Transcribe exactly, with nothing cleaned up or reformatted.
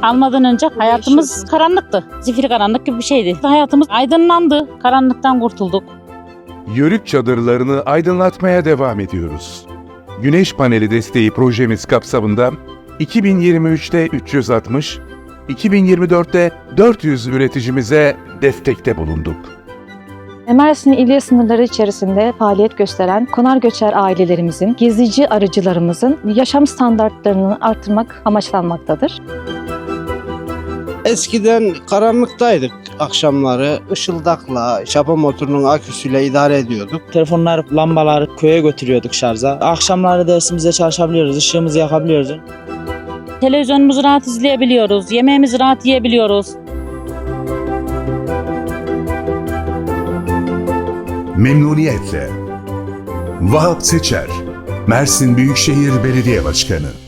almadan önce hayatımız karanlıktı. Zifiri karanlık gibi bir şeydi. Hayatımız aydınlandı. Karanlıktan kurtulduk. Yörük çadırlarını aydınlatmaya devam ediyoruz. Güneş paneli desteği projemiz kapsamında iki bin yirmi üçte üç yüz altmış, iki bin yirmi dörtte dört yüz üreticimize destekte bulunduk. Mersin ili sınırları içerisinde faaliyet gösteren konar göçer ailelerimizin, gezici arıcılarımızın yaşam standartlarını artırmak amaçlanmaktadır. Eskiden karanlıktaydık akşamları. Işıldakla, çapa motorunun aküsüyle idare ediyorduk. Telefonlar, lambaları köye götürüyorduk şarja. Akşamları dersimize çalışabiliyoruz, ışığımızı yakabiliyoruz. Televizyonumuzu rahat izleyebiliyoruz. Yemeğimizi rahat yiyebiliyoruz. Memnuniyetle. Vahap Seçer, Mersin Büyükşehir Belediye Başkanı.